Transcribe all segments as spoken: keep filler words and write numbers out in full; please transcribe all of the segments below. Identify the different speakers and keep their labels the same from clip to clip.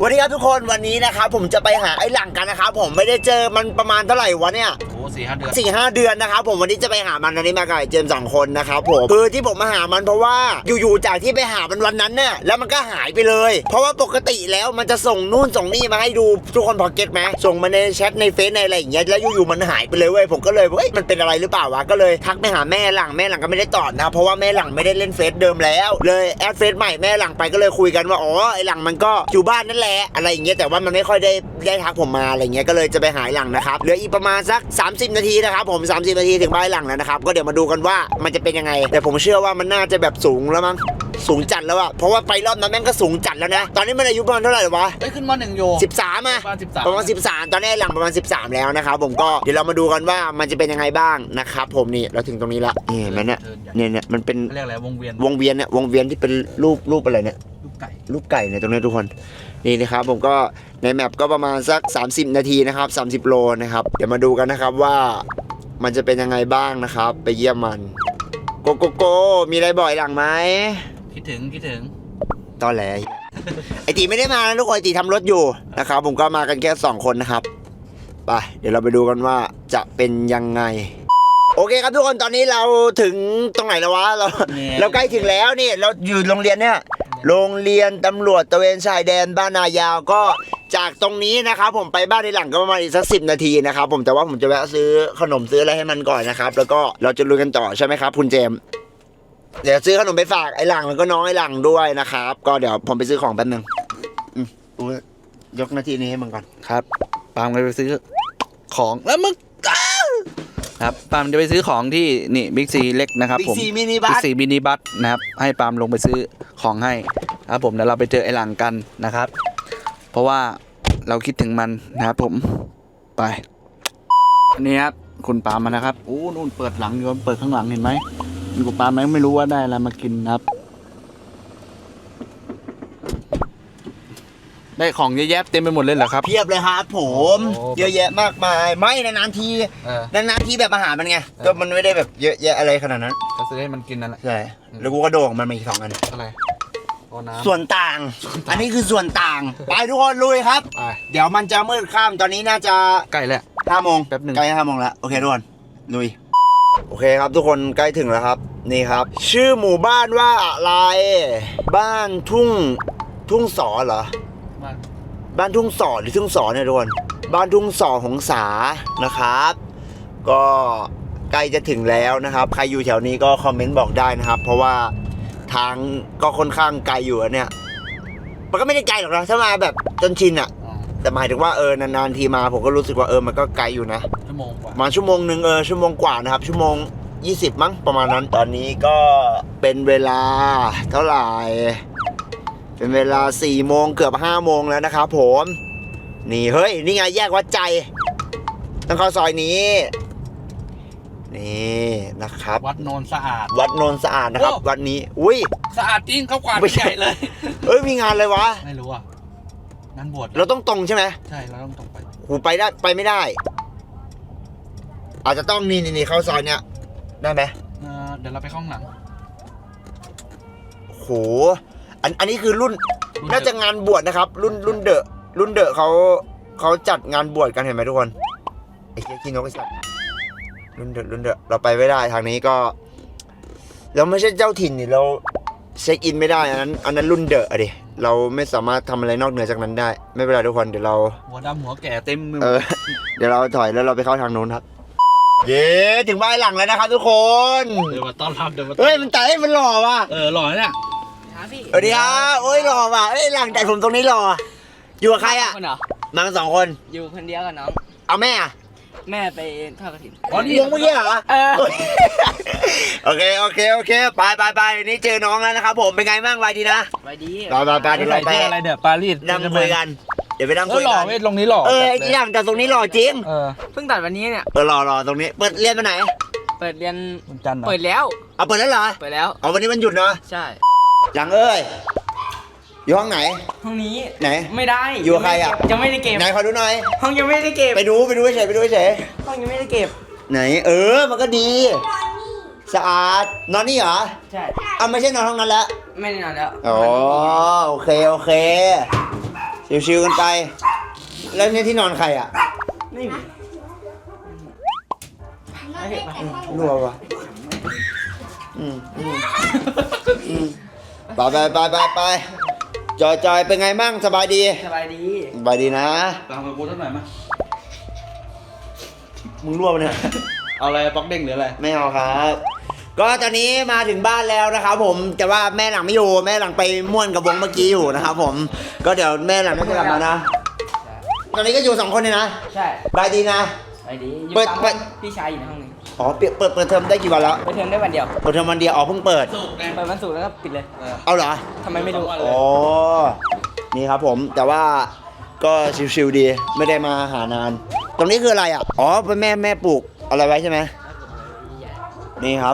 Speaker 1: วันนี้ครับทุกคนวันนี้นะครับผมจะไปหาไอ้หลังกันนะครับผมไม่ได้เจอมันประมาณเท่าไหร่วะเนี่ย
Speaker 2: โอ้สี่ห้าเดือน
Speaker 1: สี่ห้าเดือนนะครับผมวันนี้จะไปหามันวันนี้มากับเจมส์สองคนนะครับผมคือที่ผมมาหามันเพราะว่าอยู่ๆจากที่ไปหามันวันนั้นเนี่ยแล้วมันก็หายไปเลยเพราะว่าปกติแล้วมันจะส่งนู่นส่งนี่มาให้ดูทุกคนพอเก็ตไหมส่งมาในแชทในเฟซในอะไรอย่างเงี้ยแล้วอยู่ๆมันหายไปเลยเว้ยผมก็เลยเฮ้ยมันเป็นอะไรหรือเปล่าวะก็เลยทักไปหาแม่หลังแม่หลังก็ไม่ได้ตอบนะเพราะว่าแม่หลังไม่ได้เล่นเฟซเดิมแล้วเลยแอดเฟซใหม่แม่หลังไปก็เลยคุยกันว่าอ๋อไอ้หลังมันก็อยู่บ้านนั่นแหละอะไรอย่างเงี้ยแต่ว่ามันไม่ค่อยได้ได้ทักผมมาอะไรเงี้ยก็เลยจะไปหาหลังนะครับเหลืออีกประมาณสักสามสิบนาทีนะครับผมสามสิบนาทีถึงบ้านหลังแล้วนะครับก็เดี๋ยวมาดูกันว่ามันจะเป็นยังไงแต่ผมเชื่อว่ามันน่าจะแบบสูงแล้วมั้งสูงจัดแล้วอะเพราะว่าไปรอบนั้นแม่งก็สูงจัดแล้วนะตอนนี้มันอายุประมาณเท่าไหร่วะ
Speaker 2: เอ้ยขึ้นมาหนึ่งโย
Speaker 1: สิบสามอะประมาณสิบสามตอนนี้หลังประมาณสิบสามแล้วนะครับผมก็เดี๋ยวเรามาดูกันว่ามันจะเป็นยังไงบ้างนะครับผมนี่เราถึงตรงนี้ละนี่มันเนี่ยเนี่ยเนี่ยมันเป็น
Speaker 2: เรียกอะไรวงเวียน
Speaker 1: วงเวียนเนี่ยวงเวียนที่เป็นรูปรูปอะไรเนี่ย
Speaker 2: ลูกไก่
Speaker 1: ลูกไก่เนี่ยตรงนี้ทุกคนนี่นะครับผมก็ในแมปก็ประมาณสักสามสิบนาทีนะครับสามสิบโลนะครับเดี๋ยวมาดูกันนะครับว่ามันจะเป็นยังไงบ้างนะครับไปเยี่ยมมันโกโกโกมีอะไรบ่อยหลังไหม
Speaker 2: คิดถึงคิดถึง
Speaker 1: ตอนแหลไอตีไม่ได้มานะทุกคนไอตีทำรถอยู่นะครับผมก็มากันแค่สองคนนะครับไปเดี๋ยวเราไปดูกันว่าจะเป็นยังไงโอเคครับทุกคนตอนนี้เราถึงตรงไหนแล้ววะเราเราใกล้ถึงแล้วนี่เราอยู่โรงเรียนเนี่ยโรงเรียนตำรวจตระเวนชายแดนบ้านนายาวก็จากตรงนี้นะครับผมไปบ้านในหลังก็ประมาณอีกสักสิบนาทีนะครับผมแต่ว่าผมจะแวะซื้อขนมซื้ออะไรให้มันก่อนนะครับแล้วก็เราจะลุยกันต่อใช่ไหมครับคุณเจมเดี๋ยวซื้อขนมไปฝากไอ้หลังแล้วก็น้องไอ้หลังด้วยนะครับก็เดี๋ยวผมไปซื้อของแป๊บนึงอืมยกหน้าที่นี้ให้มึงก่อน
Speaker 2: ครับปาล์มไปซื้อของแล้วมึงครับปาล์มจะไปซื้อของที่นี่บิ๊กซีเล็กนะครับผม
Speaker 1: บิ๊กซีมินิบัส
Speaker 2: บิ๊กซีมินิบัสนะครับให้ปาล์มลงไปซื้อของให้ครับผมเดี๋ยวเราไปเจอไอ้หลังกันนะครับเพราะว่าเราคิดถึงมันนะครับผมไปนี่ครับคุณปาล์มมานะครับโอ้นู่นเปิดหลังอยู่เปิดข้างหลังเห็นไหมคุณปาล์มไม่รู้ว่าได้อะไรมากินนะครับได้ของเยอะแยะเต็มไปหมดเลยเหรอครับ
Speaker 1: เพียบเลยครับผมเยอะแยะมากมายไม่นานๆทีนานๆทีแบบอาหารมันไงก็มันไม่ได้แบบเยอะแยะอะไรขนาดนั้น
Speaker 2: ก็ซื้อให้มันกินนั่นแหละ
Speaker 1: ใช่แล้วกูก็โดงมันมาอีกสองอัน
Speaker 2: อะไร
Speaker 1: ส่วนต่างอันนี้คือส่วนต่างไปทุกคนลุยครับเดี๋ยวมันจะมืดค่ำตอนนี้น่าจะ
Speaker 2: ใกล้แล้ว
Speaker 1: ห้าโมง
Speaker 2: แป๊บหนึ่ง
Speaker 1: ใกล้ห้าโมงแล้วโอเคทุกคนลุยโอเคครับทุกคนใกล้ถึงแล้วครับนี่ครับชื่อหมู่บ้านว่าอะไรบ้านทุ่งทุ่งสอเหรอบ้านทุ่งสอหรือทุ่งสอเนี่ยทุกคนบ้านทุ่งสอหงสานะครับก็ใกล้จะถึงแล้วนะครับใครอยู่แถวนี้ก็คอมเมนต์บอกได้นะครับเพราะว่าทางก็ค่อนข้างไกลอยู่เนี่ยมันก็ไม่ได้ไกลหรอกนะถ้ามาแบบจนชินอะแต่หมายถึงว่าเออนานๆทีมาผมก็รู้สึกว่าเออมันก็ไกลอยู่นะ
Speaker 2: ชั่วโมงกว่า
Speaker 1: มาชั่วโมงหนึ่งเออชั่วโมงกว่านะครับชั่วโมงยี่สิบมั้งประมาณนั้นตอนนี้ก็เป็นเวลาเท่าไหร่เป็นเวลาสี่โมงเกือบห้าโมงแล้วนะครับผมนี่เฮ้ยนี่ไงแยกวัดใจต้องเข้าซอยนี้นี่นะครับ
Speaker 2: วัดโนนสะอาด
Speaker 1: วัดโนนสะอาดนะครับวัดนี้อุ้ย
Speaker 2: สะอาดจริงเขากวาดใหญ่เลย
Speaker 1: เอ้ยมีงานเลยวะ
Speaker 2: ไม่รู้อ่ะงานบวช
Speaker 1: เราต้องตรงใช่ไหม
Speaker 2: ใช่เราต้องตรงไป
Speaker 1: หูไปได้ไปไม่ได้อาจจะต้องนี่นี่เข้าซอยเนี้ยได้ไหม
Speaker 2: เดี๋ยวเราไปข้างหลัง
Speaker 1: โหอันอันนี้คือรุ่นน่าจะงานบวชนะครับรุ่นรุ่นเดอะรุ่นเดอะเขาเขาจัดงานบวชกันเห็นไหมทุกคนไอ้เหี้ยขี้นกไอ้สัตว์รุ่นเดอะรุ่นเดอะเราไปไม่ได้ทางนี้ก็เราไม่ใช่เจ้าถิ่นนี่เราเช็คอินไม่ได้อันนั้นอันนั้นรุ่นเดอะอะดิเราไม่สามารถทำอะไรนอกเหนือจากนั้นได้ไม่เป็นไรทุกคนเดี๋ยวเรา
Speaker 2: หัวดำหัวแก่เต็มมือ
Speaker 1: เออเดี๋ยวเราถอยแล้วเราไปเข้าทางโน้นครับเย้ถึงบ้านหลังแล้วนะครับทุกคน
Speaker 2: เดี๋ยวมาต้อนรับเดี๋ยวมา
Speaker 1: เฮ้ยมันแต่มันหล่อว่ะ
Speaker 2: เออหล่อเนี่ย
Speaker 1: สวัสดีครับโอ้ยหล่อว่ะเอ้ยหลังแต่ผมตรงนี้หล่ออยู่กับใครอ่ะมาสองคน
Speaker 3: อยู่คนเดียวกับน้อง
Speaker 1: เอาแม่อ่ะ
Speaker 3: แม่ไปทอดกฐิน
Speaker 1: อ๋อนี่วงเมื่อกี้เหรอเออโอเคโอเคโอเคไปไปไปนี่เจอน้องแล้วนะครับผมเป็นไงบ้างไวดีนะ
Speaker 3: ไวดี
Speaker 1: ไปไปไปที่เราไป
Speaker 2: อะไรเดี๋ยวปารีส
Speaker 1: นั่งคุยกันเดี๋ยวไปนั่งคุยกัน
Speaker 2: หล่อเว้ยตรงนี้หล่อ
Speaker 1: เอออย่างแต่ตรงนี้หล่อจริง
Speaker 2: เออ
Speaker 3: เพิ่งตัดวันนี้เนี่ย
Speaker 1: เออหล่อหล่อตรงนี้เปิดเรียนมาไหน
Speaker 3: เปิดเรียน
Speaker 2: วันจันทร์
Speaker 3: เปิดแล้ว
Speaker 1: เอาเปิดแล้วเหรอ
Speaker 3: เปิดแล้ว
Speaker 1: เอาวันนี้มันหยุดเนาะ
Speaker 3: ใช่
Speaker 1: หลังเอ้ยอยู่ห้องไหน
Speaker 3: ห้องนี้
Speaker 1: ไหน
Speaker 3: ไม่ได้
Speaker 1: อยู่ใครอ่ะ
Speaker 3: ยังไม่ได้เก็บ
Speaker 1: ไหนขอดูหน่อย
Speaker 3: ห้องยังไม่ได้เก็บ
Speaker 1: ไปดูไปดูเฉยไปดูเฉย
Speaker 3: ห้องยังไม่ได้เก็บ
Speaker 1: ไหนเออมันก็ดีสะอาดนอนนี่เหรอ
Speaker 3: ใช่
Speaker 1: อ่ะไม่ใช่นอนห้องนั้นแล้ว
Speaker 3: ไม่ได้นอนแล้ว
Speaker 1: อ๋อโอเคโอเคชิวๆกันไป แล้วเนี่ยที่นอนใครอ่ะ
Speaker 3: ไม่มีไม่เห็นปะ
Speaker 1: รัววะอืมอืมอืมไปไปไปไปไปจอยจอยเป็นไงมั่งสบายดี
Speaker 3: สบายดี
Speaker 1: สบายดีนะ
Speaker 2: ตามมากูสักหน่อยมั้ย
Speaker 1: มึงรั่วปะเนี่ย
Speaker 2: เอาอะไรป๊อกเด้งหรืออะไร
Speaker 1: ไม่เอาครับ ก็ตอนนี้มาถึงบ้านแล้วนะครับผมแต่ว่าแม่หลังไม่อยู่แม่หลังไปม่วนกับวงเมื่อกี้อยู่นะครับผมก็เดี๋ยวแม่หลังน่าจะกลับมานะ ตอนนี้ก็อยู่สองคนเลยนะ
Speaker 3: ใช่
Speaker 1: สบายดีนะ
Speaker 3: สบายดีอยู่
Speaker 1: เปิด
Speaker 3: ตาม
Speaker 1: เปิด
Speaker 3: พี่ชายอยู่ในห้องนึง
Speaker 1: อ๋อเปิดเปิดเปิดเทอมได้กี่วันแล้ว
Speaker 3: ไปเทอมได้วันเดียว
Speaker 1: เปิดเทอมวันเดียวอ๋อเพิ่งเปิด
Speaker 2: สุกไง
Speaker 3: เปิดวันศุกร์แล้วก็ปิดเลย
Speaker 1: เอาเหรอ
Speaker 3: ทำไมไม่รู้
Speaker 1: อ๋อนี่ครับผมแต่ว่าก็ชิวๆดีไม่ได้มาหานาน ตรงนี้คืออะไรอ่ะอ๋อเป็นแม่แม่ปลูกอะไรไว้ใช่ไหมนี่ครับ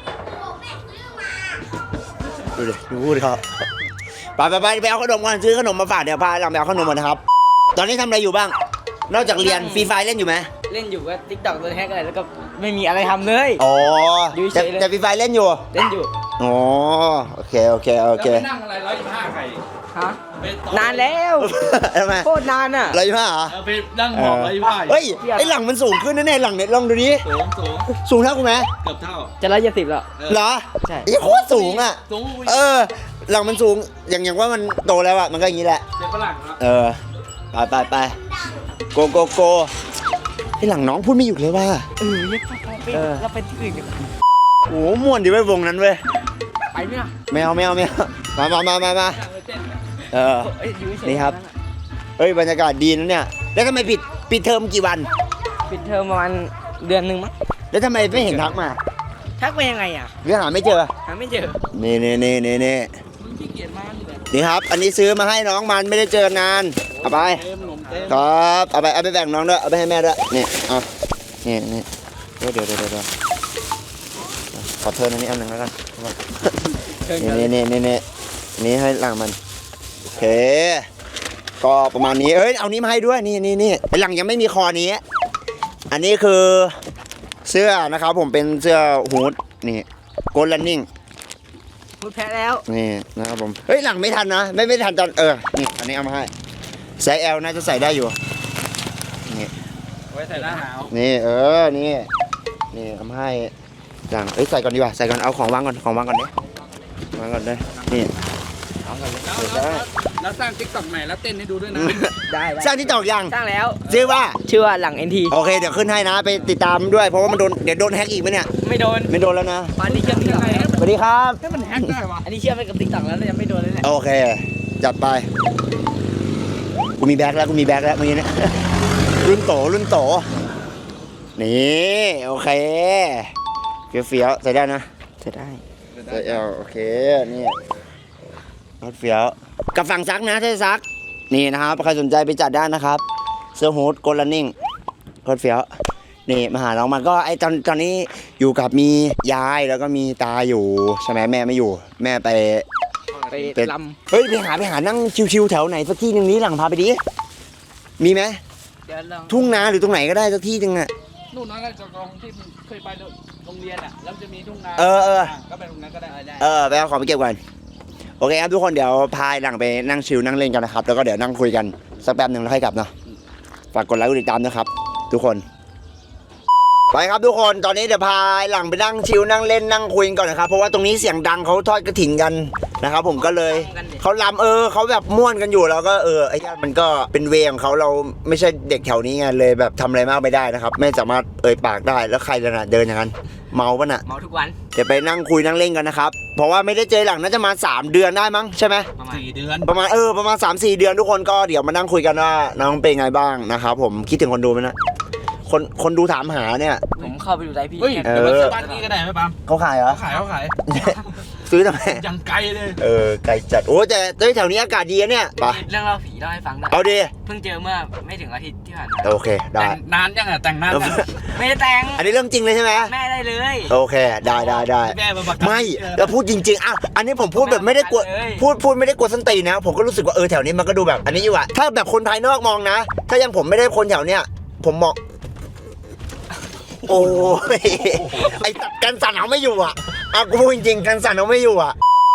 Speaker 1: ดูดิดูพูดเขาไปไปไปไปเอาขนมก่อนซื้อขนมมาฝากเดี๋ยวพาหลังไปเอาขนมก่อนนะครับ ตอนนี้ทำอะไรอยู่บ้าง นอกจากเรียนฟรีไฟเล่นอยู่ไหม
Speaker 3: เล่นอยู่ก็ติ๊กต็อกโดนแฮกอะไรแล้วก็ไม่มีอะไรทำเลย
Speaker 1: อ๋อ
Speaker 3: อยู่เฉ
Speaker 1: แต่
Speaker 3: ยเลย
Speaker 1: แต่ฟรีไฟเล่นอยู่
Speaker 3: เล่นอยู่
Speaker 1: อ๋อโอเคโอเคโอเค
Speaker 2: แล้วไปนั่งอะไรร้อยยี่สิบห้าใคร
Speaker 3: ฮะนานแล้ว
Speaker 1: ทำไม
Speaker 3: โคตรนานอ่ะ
Speaker 1: อะไรอยู่ป่ะเหรอ
Speaker 2: เออไปนั่งหมอบร้อยยี่สิบห้า
Speaker 1: เฮ้ยไอหลังมันสูงขึ้นแน่ๆหลังเนี่ยลองดูดิ
Speaker 2: สูงสูง
Speaker 1: สูงเท่ากูไหม
Speaker 2: เกือบเท่า
Speaker 3: จะร้อยยี่สิบแล้ว
Speaker 1: เหรอ
Speaker 3: ใช่
Speaker 1: ไอ้โคตรสูงอ่ะ
Speaker 2: สูง
Speaker 1: เออ หลังมันสูง อย่างอย่างว่ามันโตแล้วอ่ะ มันก็อย่างนี้แหละ
Speaker 2: เด็กฝรั่งครับ
Speaker 1: เออ ไปไปไปโกโกโกไอ้หลังน้องพูดไม่หยุดเลยว่า
Speaker 3: เออเรียกไป
Speaker 1: เออ
Speaker 3: เราไปที่อื่นกัน
Speaker 1: โอ้โหม่วนดีเว้ยวงนั้นเว้ย
Speaker 3: ไปไหมล่ะ
Speaker 1: ไม่เอาไม่เอาไม่เอามามามามามาเออ
Speaker 3: เอ้ยอยู่เฉยๆ
Speaker 1: นี่ครับ เฮ้ยบรรยากาศดีนะเนี่ย แล้วทำไมปิดปิดเทอมกี่วัน
Speaker 3: ปิดเทอมประมาณเดือนหนึ่งมั้ง
Speaker 1: แล้วทำไมไม่เห็นทักมา
Speaker 3: ทักไปยังไงอ่ะ
Speaker 1: หรือหาไม่เจอ
Speaker 3: หาไม่เจอ
Speaker 1: นี่นี่นี่นี่นี่
Speaker 3: ขี้เกียจมากเลย
Speaker 1: นี่ครับ อันนี้ซื้อมาให้น้องมันไม่ได้เจอนาน เอาไป
Speaker 2: เต็มหนมเต็ม
Speaker 1: ครับ เอาไป เอาไปแบ่งน้องด้วย เอาไปให้แม่ด้วย นี่เอานี่นี่เดี๋ยวเดี๋ยวเดี๋ยวเดี๋ยวขอเทิร์นอันนี้อันหนึ่งแล้วกัน
Speaker 3: เชิญ
Speaker 1: นี่
Speaker 3: กัน
Speaker 1: นี่นี่นี่นี่นี่ให้หลังมัน โอเค ก็ประมาณนี้ เอ้ย เอานี้มาให้ด้วย นี่นี่นี่ไอหลังยังไม่มีคอนี้ อันนี้คือเสื้อนะครับผมเป็นเสื้อฮูดนี่โกลลันนิ่ง
Speaker 3: พูดแพ้แล้ว
Speaker 1: นี่นะครับผม เฮ้ยหลังไม่ทันนะ ไม่ไม่ทันตอนเออ นี่อันนี้เอามาให้ไซส์ L น่าจะใส่ได้อยู่ นี่
Speaker 2: ไว้ใส่หน้าหนาว
Speaker 1: นี่เออ นี่ นี่เอามาให้หลังเอ้ยใส่ก่อนดีกว่า ใส่ก่อน เอาของวางก่อน ของวางก่อนเด้วางก่อนเด้นี่
Speaker 2: แล้วแล้วแล้วสร้างติ๊กต็อกใหม่แล้วเต้นให้ดูด้วยนะ
Speaker 3: ได้ได้
Speaker 1: สร้างที่ตอกยัง
Speaker 3: สร้างแล้ว
Speaker 1: ชื่อว่า
Speaker 3: ชื่อว่าหลังเอ็นที
Speaker 1: โอเค เดี๋ยวขึ้นให้นะ ไปติดตามด้วย เพราะว่ามันโดน เดี๋ยวโดนแฮกอีกไหมเนี่ย
Speaker 3: ไม่โดน
Speaker 1: ไม่โดนแล้วนะ
Speaker 3: ตอนนี้เชื่อมติ๊กต็อกแล้ว
Speaker 1: สวัสดีครับ
Speaker 2: ให้มันแฮกได้วะ
Speaker 3: อันนี้เชื่อมไปกับติ๊กต็อกแล้วยังไม่โดนเลยแหละ
Speaker 1: โอเค จัดไป กูมีแบ็คแล้ว กูมีแบ็คแล้วเมื่อกี้เนะ รุ่นโต รุ่นโต นี่ โอเค เฟี้ยวๆใส่ได้นะ
Speaker 3: จะได้
Speaker 1: ใส่เอาโอเค นี่รถเฟี้ยว กับฝั่งซักนะถ้าจะซัก นี่นะครับ ใครสนใจไปจัดได้นะครับ เสื้อฮูดโกลลันนิ่งรถเฟี้ยว นี่มาหาน้องมันก็ไอตอนตอนนี้อยู่กับมียายแล้วก็มีตาอยู่ใช่ไหมแม่ไม่อยู่ แม่ไป
Speaker 3: ไป
Speaker 1: เป็น
Speaker 3: ล
Speaker 1: เฮ้ยไปหาไปหานั่งชิวๆแถวไหนสักที่หนึ่งนี้หลังพาไปดิ มีไหม
Speaker 3: ำเดี๋ยวลอง
Speaker 1: ทุ่งนาหรือตรงไหนก็ได้สักที่หนึ่งอะ
Speaker 2: นู่นนั่นก็จะกองที่เคยไปโรงเรียนอ่ะแล้วจะมีทุ่งนา
Speaker 1: เออเออ
Speaker 2: ก็ไปตรงนั้นก็ได้ได้
Speaker 1: เออไปเอาของไปเก็บก่อนโอเคครับทุกคนเดี๋ยวพายหลังไปนั่งชิลนั่งเล่นกันนะครับแล้วก็เดี๋ยวนั่งคุยกันสักแป๊บหนึ่งแล้วค่อยกลับเนาะฝากกดไลค์กดติดตามนะครับ ทุกคน ไปครับทุกคนตอนนี้เดี๋ยวพายหลังไปนั่งชิลนั่งเล่นนั่งคุยกันก่อนนะครับเพราะว่าตรงนี้เสียงดังเขาทอดกระถิ่นกันนะครับผมก็เลยเขาลำเออเขาแบบม่วนกันอยู่แล้วก็เออไอ้ญาติมันก็เป็นเวรของเขาเราไม่ใช่เด็กแถวนี้ไงเลยแบบทำอะไรมากไม่ได้นะครับไม่สามารถเอ่ยปากได้แล้วใครจะน่ะเดินอย่างนั้นเมาปะน่ะ
Speaker 3: เมาทุกวัน
Speaker 1: เดี๋ยวไปนั่งคุยนั่งเล่นกันนะครับ เพราะว่าไม่ได้เจอหลังน่าจะมาสามเดือนได้มั้งใช่ไหม
Speaker 3: ประมาณ
Speaker 2: สี่เดือน
Speaker 1: ประมาณเออประมาณ สามสี่ เดือนทุกคนก็เดี๋ยวมานั่งคุยกันว่าน้องเป็นไงบ้างนะครับผมคิดถึงคนดูไหมนะคนคนดูถามหาเนี่ย
Speaker 3: ผมเข้าไปดูไลฟ์พี่
Speaker 2: เฮ้ย
Speaker 3: แค่
Speaker 2: เดี๋ยวมาซื้อบ้านนี้ก็ได้ไหมปั๊ม
Speaker 1: เขาขายเหรอ
Speaker 2: เขาขายเขาขาย
Speaker 1: ซื้อทำไม
Speaker 2: ยังไกลเลย
Speaker 1: เออไกลจัดโอ้แต่เฮ้ยแถวนี้อากาศดีนะเนี่ยไป
Speaker 3: เรื่องเล่าผีเล่าให้ฟังได้
Speaker 1: เอาดิ
Speaker 3: เพิ่งเจอเมื่อไม่ถึงอาทิตย์ที่ผ่านมา
Speaker 1: โอเคได้
Speaker 2: แต่งนานยังอ่ะแต่งนานยัง
Speaker 3: ไม่ได้แต่ง
Speaker 1: อันนี้เรื่องจริงเลยใช่ไหม
Speaker 3: แม่ได้เลย
Speaker 1: โอเคได้ได้ได้
Speaker 2: แม่มาประกัน
Speaker 1: ไม่แล้วพูดจริงๆอ่ะอันนี้ผมพูดแบบไม่ได้กลัวพูดพูดไม่ได้กลัวส้นตีนนะผมก็รู้สึกว่าเออแถวนี้มันก็ดูแบบ อันนี้อยู่อะถ้าแบบคนภายนอกมองนะ ถ้ายังผมไม่ได้คนแถวเนี้ยผมมองโอ้ยไอ้ตัดกันสั่นเอาไม่อยู่อ่ะอ่ะกูพูดจริงๆกันสั่นเอาไม่อยู่อ่ะ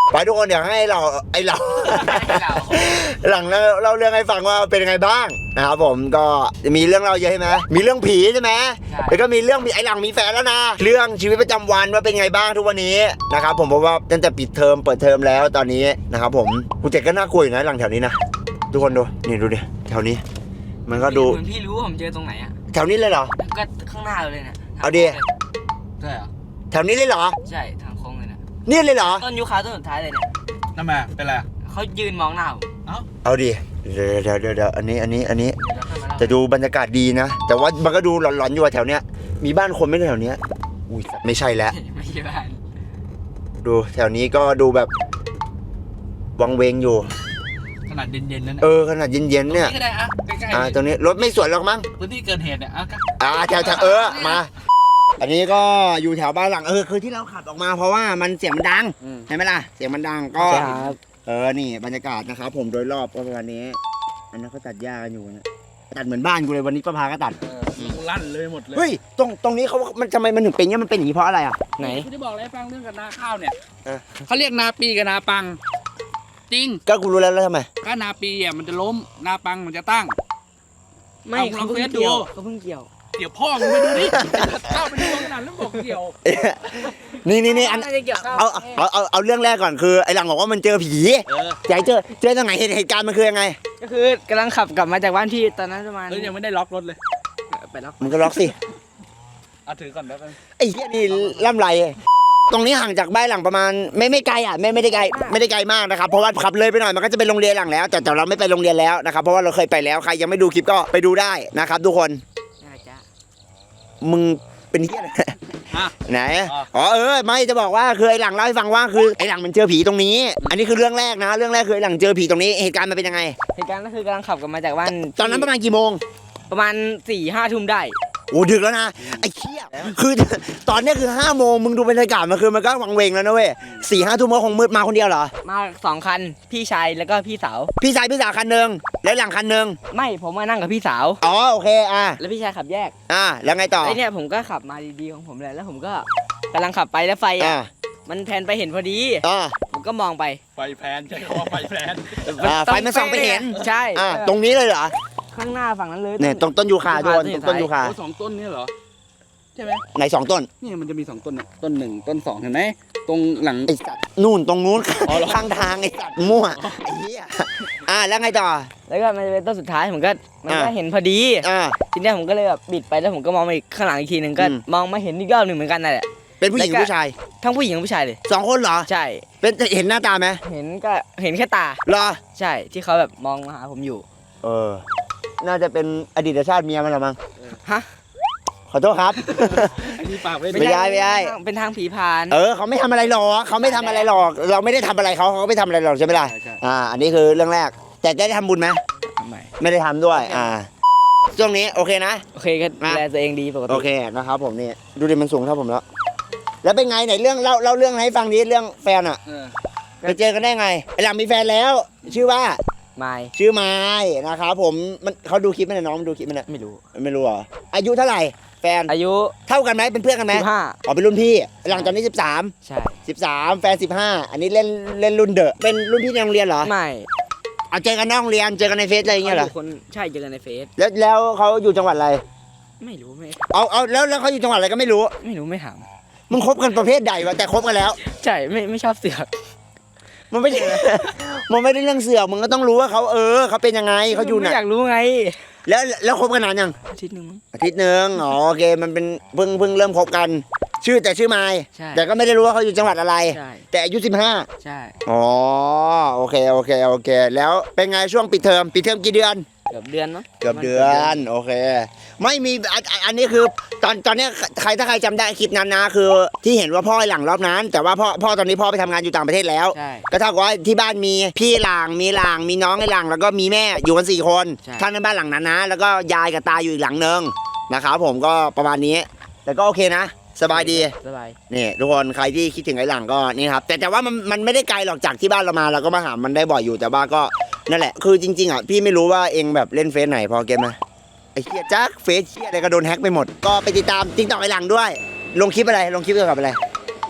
Speaker 1: ไปทุกคนเดี๋ยวให้เราไอเรา หลังเราเล่าเรื่องให้ฟังว่าเป็นยังไงบ้างนะครับผมก็จะมีเรื่องเราเยอะใช่ไหมมีเรื่องผีใช่ไหมแล้วก็มีเรื่องมีไอหลังมีแฟนแล้วนะเรื่องชีวิตประจำวันว่าเป็นไงบ้างทุกวันนี้นะครับผมเพราะว่าตั้งแต่ปิดเทอมเปิดเทอมแล้วตอนนี้นะครับผมกูเจ็ดก็น่ากลัวอยู่นะหลังแถวนี้นะทุกคนดูนี่ดูดิแถวนี้มันก็ดู
Speaker 3: เหมือนพี่รู้ว่าผมเจอตรงไหนอ่ะ
Speaker 1: แถวนี้เลยเหรอ
Speaker 3: ก็ข้างหน้าเลยเนี่ย
Speaker 1: เอาดิ
Speaker 3: ใช่เหรอ
Speaker 1: แถวนี้เลยเหรอ
Speaker 3: ใช่ทางโค้งเลยนะ
Speaker 1: นี่เลยเหรอ
Speaker 3: ต้นยูคาต้นสุดท้ายเลยเนี่ย
Speaker 2: นั่นมาเป็นไร
Speaker 3: เขายืนมองหน้าผม
Speaker 1: เอาดิเดี๋ยวเดี๋ยวเดี๋ยวเดี๋ยวอันนี้อันนี้อันนี้
Speaker 3: เดี๋ยวเราค่อยมาเล่า
Speaker 1: แต่ดูบรรยากาศดีนะ แต่ว่ามันก็ดูหลอนๆอยู่อะแถวเนี้ยมีบ้านคนไหม่แถวเนี้ยอุ้ยไม่ใช่แล้ว
Speaker 3: ไม่ใช่บ้าน
Speaker 1: ดูแถวนี้ก็ดูแบบวังเวงอยู่
Speaker 2: ขนาดเย็นๆนั่น
Speaker 1: เออขนาดเย็นๆเนี่ย
Speaker 2: ก็ได้อะใกล้
Speaker 1: อ่าตรงนี้รถไม่สวนหรอกมั้ง
Speaker 2: ๆพื้นที่เกิดเหตุเนี่ยอ่ะก็
Speaker 1: อ่าแถวแถวเออมา อันนี้ก็อยู่แถวบ้านหลังเออคือที่เราขับออกมาเพราะว่ามันเสียงมันดังใช่ไหมล่ะเสียงมันดังก็
Speaker 3: ครับ
Speaker 1: เออนี่บรรยากาศนะครับผมโดยรอบก็ประมาณนี้ อันนั้นเขาตัดหญ้ากันอยู่นะตัดเหมือนบ้านกูเลยวันนี้ป้าพาก็ตัด
Speaker 2: ลั่นเลยหมดเลย
Speaker 1: เฮ้ยตรงตรงนี้เขามันทำไมมันถึงเป็นอย่างนี้มันเป็นอย่างนี้เพราะอะไรอ่ะ
Speaker 3: ไหน
Speaker 2: กูจะบอกอะไรให้ฟังเรื่องกับนาข้าวเนี่ย
Speaker 1: เออ
Speaker 2: เขาเรียกนาปีกับนาปัง จริง
Speaker 1: ก็กูรู้แล้วแล้วทำไม
Speaker 2: ถ้านาปีอ่ะมันจะล้มนาปังมันจะตั้ง
Speaker 3: ไม่
Speaker 2: เอา
Speaker 3: เขา
Speaker 2: ลอง
Speaker 3: เพิ่ง
Speaker 2: เฟซดู
Speaker 3: เกี่ยวเขาเพิ่งเกี่ยว
Speaker 2: เกี่ยวพ่อมึงไปดูดิเข้าไปดูขนาดแล้วบอกเกี่ยว
Speaker 1: นี่นี่นี่อัน
Speaker 3: ไม่ได้เกี่ยวข้าว
Speaker 1: เอาเอาเอาเอาเรื่องแรกก่อนคือไอ้หลังบอกว่ามันเจอผี
Speaker 2: เออ
Speaker 1: อยากเจอเจอตรงไหนเหตุเหตุการณ์มันคือยังไง
Speaker 3: ก็คือกำลังขับกลับมาจากบ้านพี่ตอนนั้นประมาณ
Speaker 2: เออยังไม่ได้ล็อกรถเลย
Speaker 3: ไปแล้ว
Speaker 1: มึงก็ล็อกสิ
Speaker 2: เอาถือก่อนแป๊บนึง
Speaker 1: ไอ้เหี้ยนี่ล่ำไรตรงนี้ห่างจากบ้านหลังประมาณไม่ไม่ไกลอ่ะไม่ไม่ได้ไกลไม่ได้ไกลมากนะครับเพราะว่าขับเลยไปหน่อยมันก็จะเป็นโรงเรียนหลังแล้ว แต่แต่เราไม่ไปโรงเรียนแล้วนะครับเพราะว่าเราเคยไปแล้วใครยังไม่ดูคลิปก็ไปดูได้นะครับทุกคน
Speaker 3: น่าจะ
Speaker 1: มึงเป็นเหี้ยอะไร
Speaker 2: อ่ะ
Speaker 1: ไหน
Speaker 2: อ๋อ
Speaker 1: อ๋อเออไม่จะบอกว่าคือไอ้หลังเล่าให้ฟังว่าคือไอ้หลังมันเจอผีตรงนี้ อันนี้คือเรื่องแรกนะ เรื่องแรกคือไอ้หลังเจอผีตรงนี้เหตุการณ์มันเป็นยังไง
Speaker 3: เหตุการณ์ก็คือกำลังขับกลับมาจากบ้าน
Speaker 1: ตอนนั้นประมาณกี่โมง
Speaker 3: ประมาณสี่ห้าทุ่มได้
Speaker 1: โอ้ดึกแล้วนะไอ้เหี้ยคือ ตอนเนี้ยคือห้าโมงมึงดูบรรยากาศมันคือมันก็วังเวงแล้วนะเว้ยสี่ห้าทุ่มก็คงมืดมาคนเดียวเหรอ
Speaker 3: มาสองคันพี่ชายแล้วก็พี่สาว
Speaker 1: พี่ชายพี่สาวคันหนึ่งแล้วหลังคันหนึ่ง
Speaker 3: ไม่ผมมานั่งกับพี่สาว
Speaker 1: อ๋อโอเคอ่ะ
Speaker 3: แล้วพี่ชายขับแยก
Speaker 1: อ่ะแล้วไงต่อ
Speaker 3: ไอเนี่ยผมก็ขับมาดีๆของผมเลยแล้วผมก็กำลังขับไปแล้วไฟ
Speaker 1: อ่ะ
Speaker 3: อ่ะมันแพนไปเห็นพอดี
Speaker 1: อ่ะ
Speaker 3: ผมก็มองไป
Speaker 2: ไฟแพนใช่คำว่าไฟแพน
Speaker 1: อ่ะไฟมันส่องไปเห็น
Speaker 3: ใช่
Speaker 1: อ่ะตรงนี้เลยเหรอ
Speaker 3: ข้างหน้าฝั่งนั้นเลย
Speaker 1: เนี่ยตรงต้นยูคาโดนตรงต้นยูคา
Speaker 2: โอ้สองต้นเนี่ยเหรอใช่ไหม
Speaker 1: ไหนสองต้น
Speaker 2: นี่มันจะมีสองต้นเนี่ยต้นหนึ่งต้นสองเห็นไหมตรงหลัง
Speaker 1: ไอ้สัตว์นู่นตรงนู้น
Speaker 2: อ๋อเหรอ
Speaker 1: ข้างทางไอ้สัตว์มั่วไอ้เหี้ยอ่ะแล้วไงต่อ
Speaker 3: แล้วก็มันจะเป็นต้นสุดท้ายผมก็มันก็
Speaker 1: อ่ะ
Speaker 3: เห็นพอดี
Speaker 1: อ่ะ
Speaker 3: ทีเนี้ยผมก็เลยแบบบิดไปแล้วผมก็มองมาอีกข้างหลังอีกทีหนึ่งก็
Speaker 1: อืม
Speaker 3: มองมาเห็นอีกรอบหนึ่งเหมือนกันนั่นแหละ
Speaker 1: เป็นผู้หญิง
Speaker 3: แล้วก็
Speaker 1: ผู้ชาย
Speaker 3: ทั้งผู้หญิงทั้งผู้ชายเลย
Speaker 1: สองคนเหรอ
Speaker 3: ใช่
Speaker 1: เป็นเห็นหน้าตาไหม
Speaker 3: เห็นก็เห็นแค่ตา
Speaker 1: เหรอ
Speaker 3: ใช่ที่เขาแบบมองมาหาผมอยู่
Speaker 1: เออ น่าจะเป็นอดีตชาติเมียมันหรอมั้ง
Speaker 3: ฮะ
Speaker 1: ขอโทษครับ
Speaker 2: ไอ้นี่ปากไม่
Speaker 1: ไม่ได้ไม่ได้
Speaker 3: เป็นทางผีพาน
Speaker 1: เออเขาไม่ทำอะไรหรอกเขาไม่ทำอะไรหรอก เราไม่ได้ทำอะไรเขาเขาก็ไม่ทำอะไรหรอกใช่ไหมล่ะ
Speaker 2: ใช่ใช่
Speaker 1: อ่า อันนี้คือเรื่องแรก แต่ได้ทำบุญไหม
Speaker 3: ทำไม
Speaker 1: ไม่ได้ทำด้วย อ่า ช่วงนี้โอเคนะ
Speaker 3: โอเคก็ดูแลตัวเองดีปกติ
Speaker 1: โอเคนะครับผมนี่ ดูดิมันสูงเท่าผมแล้ว แล้วเป็นไงไหนเรื่องเล่าเล่าเรื่องให้ฟังดิเรื่องแฟนอ่ะ
Speaker 2: เออ
Speaker 1: ไปเจอกันได้ไงไอหลังมีแฟนแล้ว ชื่อว่า
Speaker 3: ไม่
Speaker 1: ชื่อไม้นะครับผมมันเขาดูคลิปไหมเนี่ยน้องมันดูคลิปไหมเนี่ย
Speaker 3: ไม่รู้
Speaker 1: ไม่รู้เหรออายุเท่าไหร่แฟน
Speaker 3: อายุ
Speaker 1: เท่ากันไหมเป็นเพื่อนกันไหม
Speaker 3: สิบห้า
Speaker 1: อ๋อเป็นรุ่นพี่หลังตอนนี้สิบสาม
Speaker 3: ใช่
Speaker 1: สิบสามแฟนสิบห้าอันนี้เล่นเล่นรุ่นเดอะเป็นรุ่นพี่ในโรงเรียนเหรอ
Speaker 3: ไม่
Speaker 1: เอาเจอกันนอกโรงเรียนเจอกันในเฟซอะไรอย่างเงี้ยเหรอ
Speaker 3: ขาคนใช่เจอกันในเฟซ
Speaker 1: แล้วแล้วเขาอยู่จังหวัดอะไร
Speaker 3: ไม่รู้ไม่
Speaker 1: เอาเอาแล้วแล้วเขาอยู่จังหวัดอะไรก็ไม่รู้
Speaker 3: ไม่รู้ไม่ถาม
Speaker 1: มึงคบกันประเภทใดวะแต่คบกันแล้ว
Speaker 3: ใช่ไม่ไม่ชอบเสือก
Speaker 1: มันไม่ใช่ มันไม่ได้เรื่องเสือกมึงก็ต้องรู้ว่าเขาเออเขาเป็นยังไงเขาอยู่ไหน
Speaker 3: ไม่อยากรู้ไง
Speaker 1: แล้วแล้วคบกันนานยัง
Speaker 3: อาทิตย์หนึ่งมั้ง
Speaker 1: อาทิตย์หนึ่งอ๋อโอเคมันเป็นเพิ่งเพิ่งเริ่มคบกัน ชื่อแต่ชื่อไมค์
Speaker 3: ใช่
Speaker 1: แต่ก็ไม่ได้รู้ว่าเขาอยู่จังหวัดอะไร
Speaker 3: ใช่
Speaker 1: แต่อายุสิบห้า
Speaker 3: ใช่
Speaker 1: อ๋อโอเคโอเคโอเค แล้วเป็นไงช่วงปิดเทอมปิดเทอมกี่เดือน
Speaker 3: เกือบเดือนเนาะ
Speaker 1: เกือบเดือนโอเค ไม่มีอันอันอันนี้คือตอนตอนเนี้ยใครถ้าใครจำได้คลิปนั้นนะคือ ที่เห็นว่าพ่อไอ้หลังรอบนั้น แต่ว่าพ่อพ่อตอนนี้พ่อไปทำงานอยู่ต่างประเทศแล้ว
Speaker 3: ใช่
Speaker 1: ก็เท่ากับว่าที่บ้านมีพี่หลังมีหลังมีน้องไอ้หลังแล้วก็มีแม่อยู่กันสี่คน
Speaker 3: ใช่
Speaker 1: ท่านในบ้านหลังนั้นนะ แล้วก็ยายกับตาอยู่อีกหลังนึงนะครับผมก็ประมาณนี้ แต่ก็โอเคนะ สบายดี
Speaker 3: สบาย
Speaker 1: นี่ทุกคนใครที่คิดถึงไอ้หลังก็นี่ครับแต่แต่ว่ามันมันไม่ได้ไกลหรอกจากที่บ้านเรามาเราก็มาหามันได้บ่อยอยู่แต่ว่าก็นั่นแหละคือจริงๆอ่ะพี่ไม่รู้ว่าเองแบบเล่นเฟซไหนพอเกมไหมไอ้เหี้ยจักเฟซเหี้ยอะไรก็โดนแฮ็กไปหมดก็ไปติดตามติ๊กต็อกไอ้หลังด้วย ลงคลิปอะไรลงคลิปเกี่ยวกับอะไร
Speaker 3: ก็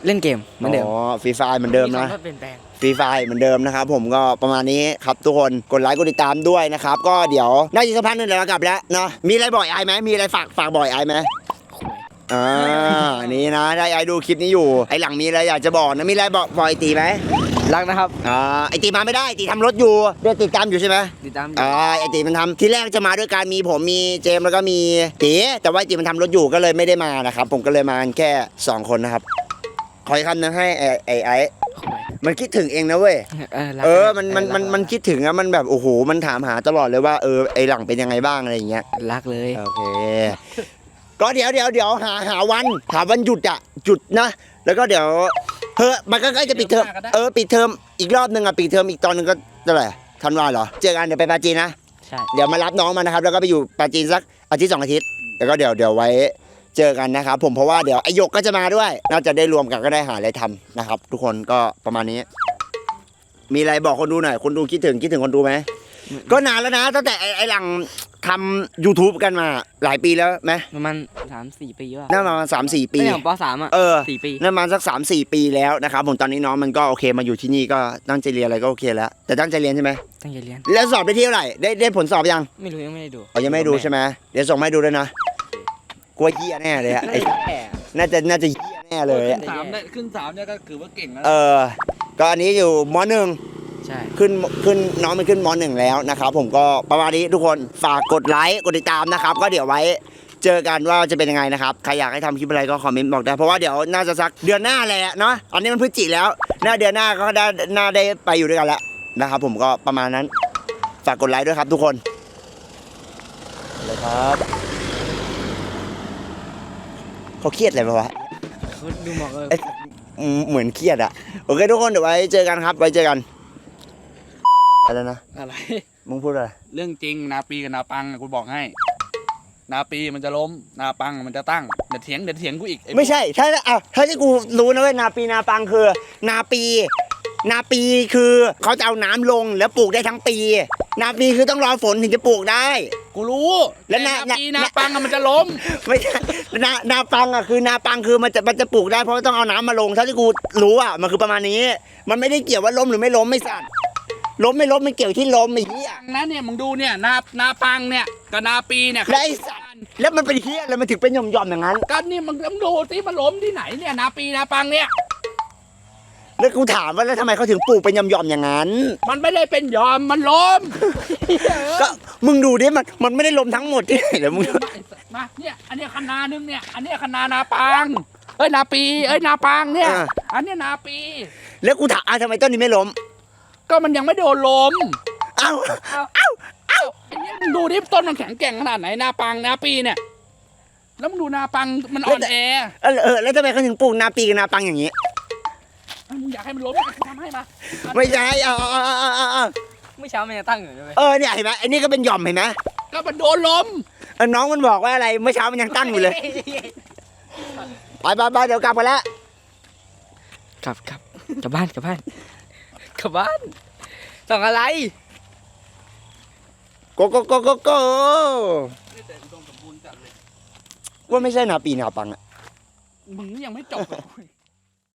Speaker 3: เล่นเกมเหมือนเดิม
Speaker 1: อ๋อฟรีไฟเหมือนเดิมนะ
Speaker 3: คำว่าเปลี่ยนแปลง
Speaker 1: ฟรีไฟเหมือนเดิมนะครับผมก็ประมาณนี้ครับทุกคนกดไลค์กดติดตามด้วยนะครับก็เดี๋ยวน่าจะสักพักหนึงเดี๋ยวเรากลับแล้วเนาะมีอะไรบ่อยไอไหมมีอะไรฝากฝากบ่อยไอไหมอ่าอันนี้นะได้ไอดูคลิปนี้อยู่ไอหลังมีอะไรอยากจะบอกนะมีอะไรบอกบอกไอตีไหม
Speaker 3: รักนะครับ
Speaker 1: อ่าไอตีมาไม่ได้ตีทำรถอยู่เดี๋ยวติดตามอยู่ใช่ไหม
Speaker 3: ติดตาม
Speaker 1: อ่าไอตีมันทำที่แรกจะมาด้วยการมีผมมีเจมส์แล้วก็มีตีแต่ว่าไอตีมันทำรถอยู่ก็เลยไม่ได้มานะครับผมก็เลยมากันแค่สองคนนะครับขออีกคำนึงให้ไอไอไอมันคิดถึงเองนะเว้ย
Speaker 3: เออรัก
Speaker 1: เออ มัน มัน
Speaker 3: รัก
Speaker 1: มัน มันคิดถึงอะมันแบบ โอ้โห มันถามหาตลอดเลยว่า เออ ไอหลังเป็นยังไงบ้างอะไรอย่างเงี้ย
Speaker 3: รักเลย
Speaker 1: โอเค ก็เดี๋ยวเดี๋ยวเดี๋ยวหา หาวัน หาวันหยุดอะหยุดนะ แล้วก็เดี๋ยว เฮ้ยมันก็ใกล้จะปิดเทอม เออ ปิดเทอม อีกรอบหนึ่งอะปิดเทอมอีกตอนหนึงก็เท่าไหร่ธันวาเหรอ เจอกันเดี๋ยวไปปาจีนนะ
Speaker 3: ใช่
Speaker 1: เดี๋ยวมารับน้องมานะครับ แล้วก็ไปอยู่ปาจีนสักอาทิตย์สองอาทิตย์ แล้วก็เดี๋ยวเดี๋ยวไว้เจอกันนะครับผม เพราะว่าเดี๋ยวไอหยกก็จะมาด้วย น่าจะได้รวมกันก็ได้หาอะไรทำนะครับ ทุกคนก็ประมาณนี้ มีอะไรบอกคนดูหน่อย คนดูคิดถึงคิดถึงคนดูไหม ก็นานแล้วนะตั้งแต่ไอ้ไอ้หลังทำ YouTube กันมาหลายปีแล้วไหม
Speaker 3: ประมาณสามสี่ปีว่ะ
Speaker 1: น่าประมาณสามสี่ปี
Speaker 3: ตั้งแต่ผมปสามอ่ะ
Speaker 1: เออ
Speaker 3: สี่ปี
Speaker 1: น่าประมาณสักสามสี่ปีแล้วนะครับผมตอนนี้น้องมันก็โอเคมาอยู่ที่นี่ก็ตั้งใจเรียนอะไรก็โอเคแล้ว แต่ตั้งใจเรียนใช่ไหม
Speaker 3: ตั้งใจเรียน
Speaker 1: แล้วสอบได้ที่เท่าไหร่ได้ได้ผลสอบยัง
Speaker 3: ไม่รู้ยังไม่ได้ดู
Speaker 1: อ๋อยังไม่ดูใช่ไหมเดี๋ยวส่งมาให้ดูด้วยนะกลัวเหี้ยแน่เลยอะไอ้
Speaker 3: แย่
Speaker 1: น่าจะน่าจะเหี้ยแน่เลยอะ
Speaker 2: สามได้ขึ้นสามเนี่ยก็ถือว่าเก่งแล้ว
Speaker 1: เออก็อันนี้อยู่มหนึ่ง
Speaker 3: ใช่
Speaker 1: ขึ้นขึ้นน้องมันขึ้นมหนึ่งแล้วนะครับผมก็ประมาณนี้ทุกคนฝากกดไลค์กดติดตามนะครับก็เดี๋ยวไว้เจอกันว่าจะเป็นยังไงนะครับใครอยากให้ทำคลิปอะไรก็คอมเมนต์บอกได้เพราะว่าเดี๋ยวน่าจะสักเดือนหน้าแหละเนาะอันนี้มันพฤศจิแล้วหน้าเดือนหน้าก็ได้น่าได้ไปอยู่ด้วยกันแล้วนะครับผมก็ประมาณนั้นฝากกดไลค์ด้วยครับทุกคนเลยครับเขาเครียดอะไรปะวะ
Speaker 3: เขาดูหมอกเลย
Speaker 1: เอ้ยอืมเหมือนเครียดอะโอเคทุกคนเดี๋ยวไว้เจอกันครับไว้เจอกันอะไรนะ
Speaker 2: อะไร
Speaker 1: มึงพูดอะไร
Speaker 2: เรื่องจริงนาปีกับนาปังอะกูบอกให้ นาปีมันจะล้ม นาปังมันจะตั้งเดี๋ยวเถียงเดี๋ยวเถียงกูอีกอ้
Speaker 1: ไม่ใช่ ถ้าอ่ะถ้าที่กูรู้นะเว้ยนาปีนาปังคือ นาปี นาปีคือเขาจะเอาน้ำลงแล้วปลูกได้ทั้งปี นาปีคือต้องรอฝนถึงจะปลูกได้
Speaker 2: กูรู้
Speaker 1: แล้ว
Speaker 2: ต่
Speaker 1: นา
Speaker 2: นาปี
Speaker 1: นา
Speaker 2: นาปังอะมันจะล้ม
Speaker 1: ไม่ใช่นานาปังอ่ะคือนาปังคือมันจะมันจะปลูกได้เพราะว่าต้องเอาน้ำมาลงเท่าที่กูรู้อ่ะมันคือประมาณนี้ มันไม่ได้เกี่ยวว่าล้มหรือไม่ล้มไม่สัตว์ล้มไม่ล้มมันเกี่ยวที่ล้มไอ้เหี้ย
Speaker 2: นะเนี่ยมึงดูเนี่ยนานาปังเนี่ยกับนาปีเนี่ย
Speaker 1: แล้วไอ้สัตว์แล้วมันเป็นเหี้ยแล้วมันถึงเป็นหย่อมๆอย่างนั้น
Speaker 2: กันนี่มึงมึงดูสิมันล้มที่ไหนเนี่ยนาปีนาปังเนี่ย
Speaker 1: แล้วกูถามว่าแล้วทำไมเขาถึงปลูกเป็นหย่อมๆอย่างนั้น
Speaker 2: มันไม่ได้เป็นยอมมันล้ม
Speaker 1: ก็มึงดูดิมันมันไม่ได้ล้มทั้งหมดที่ไหนเลยมึง
Speaker 2: มามาเนี่ยอันเนี้ยคณานึงเนี่ยอันเนี้ยคณานาปังเอ้ยนาปีเอ้ยนาปังเนี่ย
Speaker 1: อ่า
Speaker 2: อันเนี้ยนาปี
Speaker 1: แล้วกูถามอ่ะทำไมต้นนี้ไม่ล้ม
Speaker 2: ก็มันยังไม่โดนล้ม
Speaker 1: เอ้า
Speaker 2: เอ้าเอ้าเอ้าไอ้เนี่ยมึงดูดิต้นมันแข็งแกร่งขนาดไหนนาปังนาปีเนี่ยแล้วมึงดูนาปังมันอ่อนแอ
Speaker 1: เออเออแล้วทำไมเขาถึงปลูกนาปีกับนาปังอย่างนี้
Speaker 2: มึงอยากให้มันล้มทำให้มา
Speaker 1: ไม่ใช่เอาเอาเอาเอาเอาเอา
Speaker 3: เมื่อเช้ามันจะตั้งอยู่ด้วย
Speaker 1: เออเนี่ยเห็นไหมไอ้นี่ก็เป็นหย่อมเห็นไหม
Speaker 2: ก็มันโดนล้ม
Speaker 1: เออน้องมันบอกว่าอะไรเมื่อเช้ามันยังตั้งอยู่เลยไปไปไปเดี๋ยวกลับกันแล้ว
Speaker 3: กลับกลับกลับบ้านกลับบ้านกลับบ้านส่องอะไร
Speaker 1: โกโกโกโกโกว่าไม่ใช่นาปีนาปังอะ
Speaker 2: มึงยังไม่จบกับกู